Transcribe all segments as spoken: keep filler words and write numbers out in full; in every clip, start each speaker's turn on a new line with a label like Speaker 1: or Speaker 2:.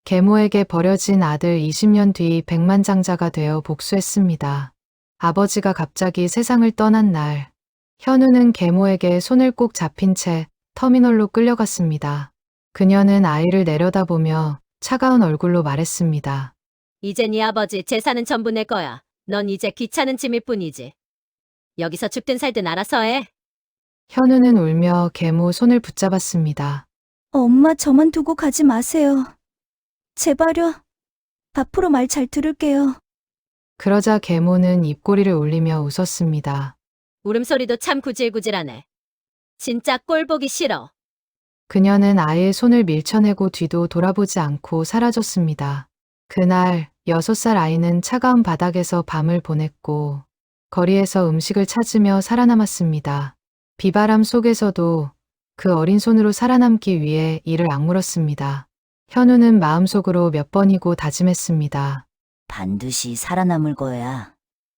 Speaker 1: 계모에게 버려진 아들 이십 년 뒤 백만장자가 되어 복수했습니다. 아버지가 갑자기 세상을 떠난 날, 현우는 계모에게 손을 꼭 잡힌 채 터미널로 끌려갔습니다. 그녀는 아이를 내려다보며 차가운 얼굴로 말했습니다.
Speaker 2: 이제 네 아버지 재산은 전부 내 거야. 넌 이제 귀찮은 짐일 뿐이지. 여기서 죽든 살든 알아서 해.
Speaker 1: 현우는 울며 계모 손을 붙잡았습니다.
Speaker 3: 엄마 저만 두고 가지 마세요. 제발요. 앞으로 말 잘 들을게요.
Speaker 1: 그러자 계모는 입꼬리를 올리며 웃었습니다.
Speaker 2: 울음소리도 참 구질구질하네. 진짜 꼴 보기 싫어.
Speaker 1: 그녀는 아이의 손을 밀쳐내고 뒤도 돌아보지 않고 사라졌습니다. 그날 여섯 살 아이는 차가운 바닥에서 밤을 보냈고 거리에서 음식을 찾으며 살아남았습니다. 비바람 속에서도 그 어린 손으로 살아남기 위해 이를 악물었습니다. 현우는 마음속으로 몇 번이고 다짐했습니다.
Speaker 4: 반드시 살아남을 거야.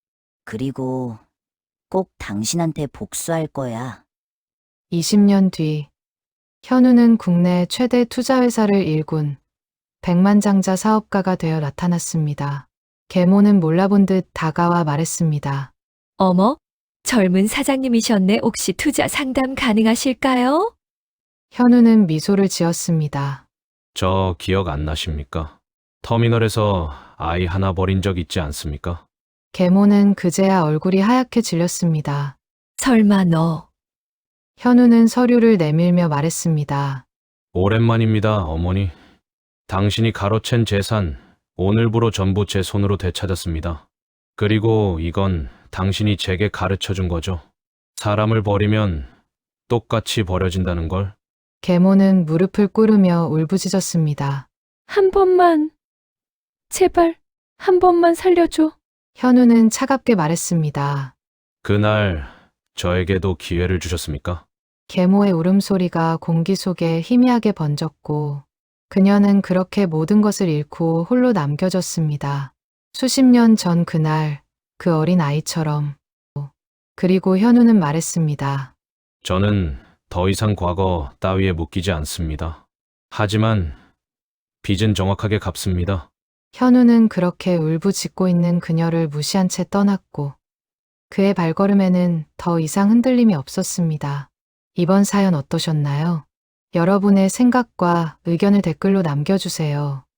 Speaker 4: 그리고 꼭 당신한테 복수할 거야.
Speaker 1: 이십 년 뒤, 현우는 국내 최대 투자회사를 일군 백만장자 사업가가 되어 나타났습니다. 계모는 몰라본 듯 다가와 말했습니다.
Speaker 5: 어머, 젊은 사장님이셨네. 혹시 투자 상담 가능하실까요?
Speaker 1: 현우는 미소를 지었습니다.
Speaker 6: 저 기억 안 나십니까? 터미널에서 아이 하나 버린 적 있지 않습니까?
Speaker 1: 계모는 그제야 얼굴이 하얗게 질렸습니다.
Speaker 5: 설마 너.
Speaker 1: 현우는 서류를 내밀며 말했습니다.
Speaker 6: 오랜만입니다, 어머니. 당신이 가로챈 재산, 오늘부로 전부 제 손으로 되찾았습니다. 그리고 이건 당신이 제게 가르쳐 준 거죠. 사람을 버리면 똑같이 버려진다는 걸.
Speaker 1: 계모는 무릎을 꿇으며 울부짖었습니다.
Speaker 5: 한 번만. 제발, 한 번만 살려줘.
Speaker 1: 현우는 차갑게 말했습니다.
Speaker 6: 그날 저에게도 기회를 주셨습니까?
Speaker 1: 계모의 울음소리가 공기 속에 희미하게 번졌고 그녀는 그렇게 모든 것을 잃고 홀로 남겨졌습니다. 수십 년 전 그날 그 어린 아이처럼. 그리고 현우는 말했습니다.
Speaker 6: 저는 더 이상 과거 따위에 묶이지 않습니다. 하지만 빚은 정확하게 갚습니다.
Speaker 1: 현우는 그렇게 울부짖고 있는 그녀를 무시한 채 떠났고 그의 발걸음에는 더 이상 흔들림이 없었습니다. 이번 사연 어떠셨나요? 여러분의 생각과 의견을 댓글로 남겨주세요.